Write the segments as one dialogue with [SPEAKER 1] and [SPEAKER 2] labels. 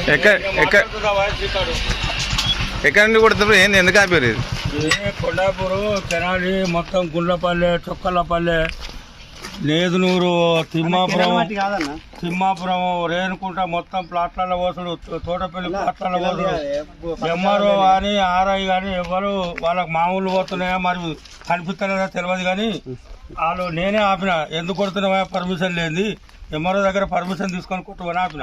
[SPEAKER 1] ఎక్కడ నుండి కొడుతున్నారు? ఏంది, ఎందుకు ఆపారు?
[SPEAKER 2] ఇది కొండాపూరు తెనాలి మొత్తం గుండ్లపల్లె, చొక్కలపల్లె, నేదునూరు, తిమ్మాపురం, రేణుకుంట మొత్తం ప్లాట్లలో పోసుడు, తోటపల్లి ప్లాట్లలో పోసుడు. ఎంఆర్ఓ కానీ ఆర్ఐ కానీ ఎవరు వాళ్ళకి మామూలు పోతున్నాయా మరి కనిపిస్తలేదా తెలియదు కానీ వాళ్ళు నేనే ఆపిన. ఎందుకు కొడుతున్నావా, పర్మిషన్ లేని ఎంఆర్ఓ దగ్గర పర్మిషన్ తీసుకొని కొట్టుకొని ఆపిన.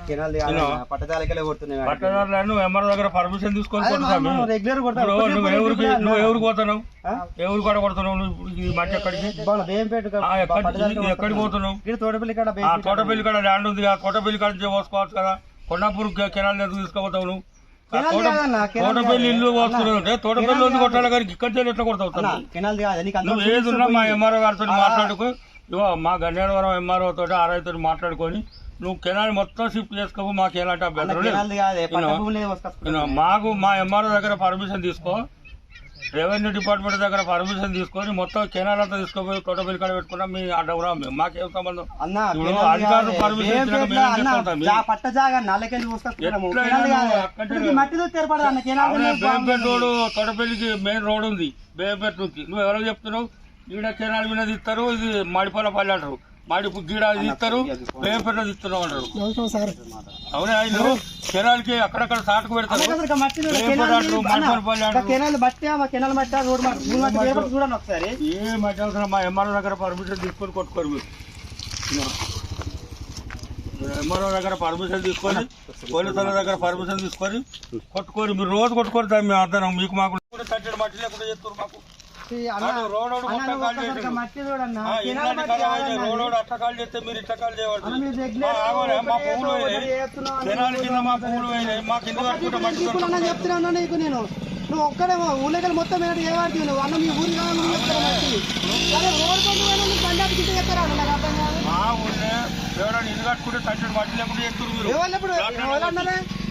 [SPEAKER 2] పట్టదారులను ఎంఆర్ఓ దగ్గర పర్మిషన్ తీసుకొని కొట్టుతాము. నువ్వు ఎవరికి పోతున్నావు? ఎవరు కూడా కొడుతున్నావు? నువ్వు మట్టి ఎక్కడికి ఎక్కడికి పోతున్నావు? తోటపల్లి కాడ ల్యాండ్ ఉంది కదా, తోటపల్లి కాడ నుంచి పోసుకోవచ్చు కదా. కొండాపూర్ కెనాల్ ఎందుకు తీసుకోపోతావు నువ్వు? తోటపల్లి ఇల్లు పోస్తున్నావు అంటే తోటపల్లి ఉంది కొట్టాలి కానీ ఇక్కడ ఎట్లా కొడతావు? నువ్వు ఏది ఉన్నా మా ఎంఆర్ఓ గారితో మాట్లాడుకో, ఇవో మా గన్నేడవరం ఎంఆర్ఓ తోటి ఆర్ఐ తోటి మాట్లాడుకొని నువ్వు కెనాల్ మొత్తం షిఫ్ట్ చేసుకో. మాకు ఎలాంటి అభ్యంతరం లేదు. మాకు మా ఎంఆర్ఓ దగ్గర పర్మిషన్ తీసుకో, రెవెన్యూ డిపార్ట్మెంట్ దగ్గర పర్మిషన్ తీసుకొని మొత్తం కెనాల్ అంతా తీసుకోపోయి తోటపల్లి కాడ పెట్టుకున్నా మీ అడ్డవరా మాకేం సంబంధం? అధికారులు పర్మిషన్ బేంపేట రోడ్ తోటపల్లికి మెయిన్ రోడ్ ఉంది. బేంపేట నుంచి నువ్వు ఎవరో చెప్తున్నావు? ఈడ కెనాల్ మీద ఇస్తారు, ఇది మడిపల్లపల్లి అంటారు, గీడ ఇస్తారు, బేంపేట ఇస్తున్నావు అంటారు. అవునే ఆయన కెనాల్ కి అక్కడక్కడ సాటుకు పెడతారు. ఏ మట్టి అవసరం? మా ఎంఆర్ఓ దగ్గర పర్మిషన్ తీసుకొని కొట్టుకోరు మీరు. ఎంఆర్ఓ దగ్గర పర్మిషన్ తీసుకొని, పోలీసుల దగ్గర పర్మిషన్ తీసుకొని కొట్టుకోరు. మీరు రోజు కొట్టుకోరు దాన్ని మేము అర్థం. మీకు మాకు తట్టడి మట్టి లేకుండా చేస్తారు. మాకు రోడ్ అట్టకాలు చేస్తే మీరు ఇట్టకాలు చేయవద్దు. మా పువ్వులు జనాల కింద మా పువ్వులు మా కింద
[SPEAKER 3] చెప్తున్నా నీకు నేను. నువ్వు ఒక్కడే ఊళ్ళకి మొత్తం ఏవాడుతుంది నువ్వు అన్న మీ ఊరి
[SPEAKER 2] మా ఊళ్ళో ఎవరైనా ఇల్లు కట్టుకుంటే తట్టడి మట్టి లేకుండా చేస్తారు.
[SPEAKER 3] ఎవరు